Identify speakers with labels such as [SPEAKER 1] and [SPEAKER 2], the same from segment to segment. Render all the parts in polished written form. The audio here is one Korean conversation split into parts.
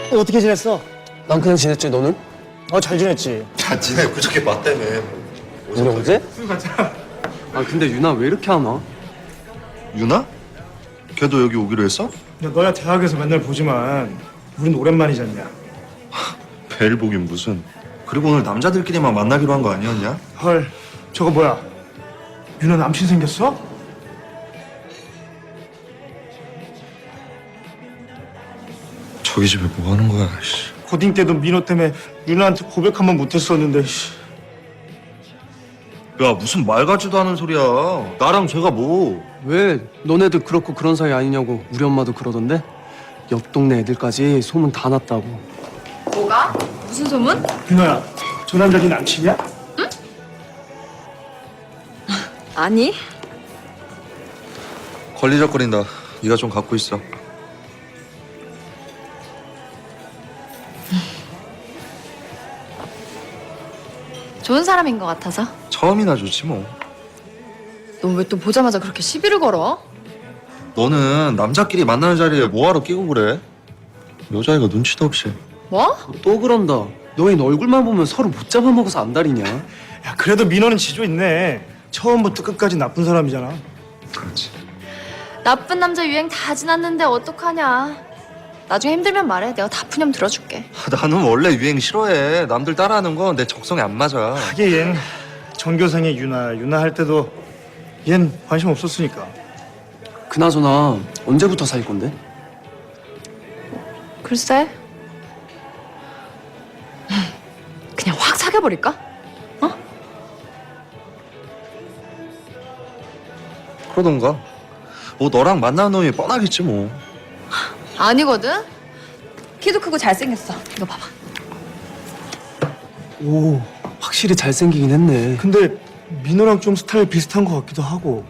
[SPEAKER 1] 어떻게 지냈어?
[SPEAKER 2] 난 그냥 지냈지. 너는?
[SPEAKER 1] 잘 지냈지.
[SPEAKER 3] 야, 니네 그저께 맞다며.
[SPEAKER 2] 우리 어제? 아 근데 유나 왜 이렇게 안 와?
[SPEAKER 3] 유나? 걔도 여기 오기로 했어?
[SPEAKER 1] 야, 너야 대학에서 맨날 보지만 우린 오랜만이지 않냐?
[SPEAKER 3] 벨 보긴 무슨. 그리고 오늘 남자들끼리만 만나기로 한 거 아니었냐?
[SPEAKER 1] 헐, 저거 뭐야? 유나 남친 생겼어?
[SPEAKER 3] 저기 집에 뭐 하는 거야, 씨.
[SPEAKER 1] 고딩 때도 민호 때문에 유나한테 고백 한 번 못했었는데.
[SPEAKER 3] 야, 무슨 말 같지도 않은 소리야. 나랑 쟤가 뭐.
[SPEAKER 2] 왜 너네들 그렇고 그런 사이 아니냐고 우리 엄마도 그러던데? 옆 동네 애들까지 소문 다 났다고.
[SPEAKER 4] 뭐가? 무슨 소문?
[SPEAKER 1] 유나야, 저 남자 네 남친이야?
[SPEAKER 4] 아니.
[SPEAKER 3] 걸리적거린다. 네가 좀 갖고 있어.
[SPEAKER 4] 좋은 사람인 것 같아서.
[SPEAKER 3] 처음이나 좋지 뭐.
[SPEAKER 4] 넌 왜 또 보자마자 그렇게 시비를 걸어?
[SPEAKER 3] 너는 남자끼리 만나는 자리에 뭐하러 끼고 그래? 여자애가 눈치도 없이.
[SPEAKER 4] 뭐?
[SPEAKER 2] 또 그런다. 너희는 얼굴만 보면 서로 못 잡아먹어서 안달이냐?
[SPEAKER 1] 야, 그래도 민호는 지조 있네. 처음부터 끝까지 나쁜 사람이잖아.
[SPEAKER 3] 그렇지.
[SPEAKER 4] 나쁜 남자 유행 다 지났는데 어떡하냐. 나중에 힘들면 말해. 내가 다 푸념 들어줄게.
[SPEAKER 3] 나는 원래 유행 싫어해. 남들 따라하는 건 내 적성에 안 맞아.
[SPEAKER 1] 하긴 전교생의 유나 할 때도 얜 관심 없었으니까.
[SPEAKER 2] 그나저나 언제부터 사귈 건데?
[SPEAKER 4] 글쎄. 그냥 확 사귀어버릴까? 어?
[SPEAKER 3] 그러던가. 뭐 너랑 만나는 놈이 뻔하겠지 뭐.
[SPEAKER 4] 아니거든. 키도 크고 잘생겼어. 이거 봐봐.
[SPEAKER 2] 오, 확실히 잘생기긴 했네.
[SPEAKER 1] 근데 민호랑 좀 스타일 비슷한 것 같기도 하고.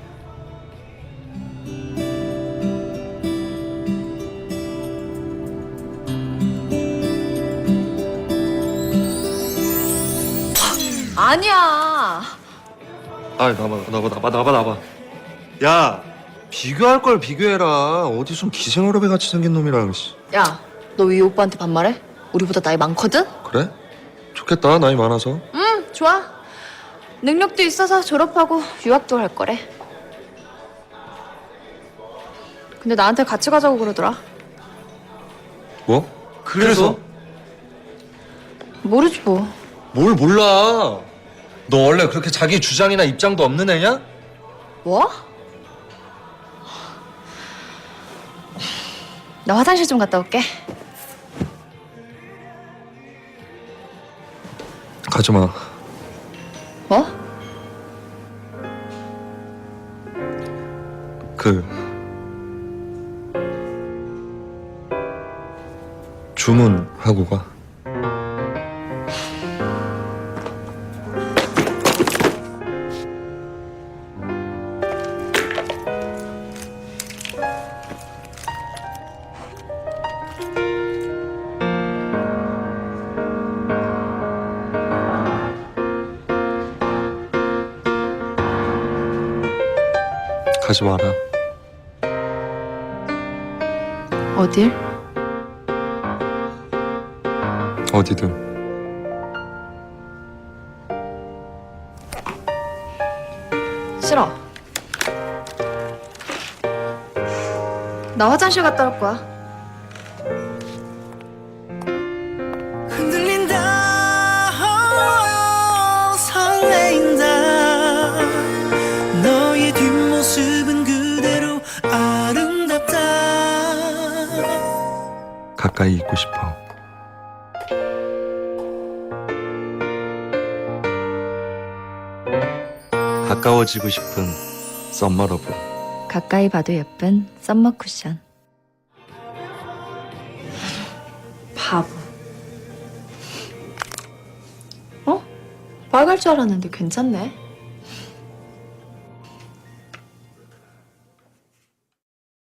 [SPEAKER 4] 아니야.
[SPEAKER 3] 아, 나봐. 야, 비교할 걸 비교해라. 어디 좀 기생어렵애 같이 생긴 놈이랑. 씨.
[SPEAKER 4] 야, 너 위 오빠한테 반말해? 우리보다 나이 많거든?
[SPEAKER 3] 그래? 좋겠다. 나이 많아서.
[SPEAKER 4] 응, 좋아. 능력도 있어서 졸업하고 유학도 할 거래. 근데 나한테 같이 가자고 그러더라.
[SPEAKER 3] 뭐?
[SPEAKER 2] 그래서?
[SPEAKER 4] 모르지 뭐.
[SPEAKER 3] 뭘 몰라. 너 원래 그렇게 자기 주장이나 입장도 없는 애냐?
[SPEAKER 4] 뭐? 나 화장실 좀 갔다 올게.
[SPEAKER 3] 가지 마.
[SPEAKER 4] 뭐?
[SPEAKER 3] 주문하고 가. 가지 마라.
[SPEAKER 4] 어딜?
[SPEAKER 3] 어디든.
[SPEAKER 4] 싫어. 나 화장실 갔다 올 거야.
[SPEAKER 5] 흔들린다 설레인다 너의 뒷모습은 그대로 아름답다
[SPEAKER 3] 가까이 있고 싶어. 가까워지고 싶은 썸머러브.
[SPEAKER 4] 가까이 봐도 예쁜 썸머 쿠션. 바보. 어? 빨갈 줄 알았는데 괜찮네.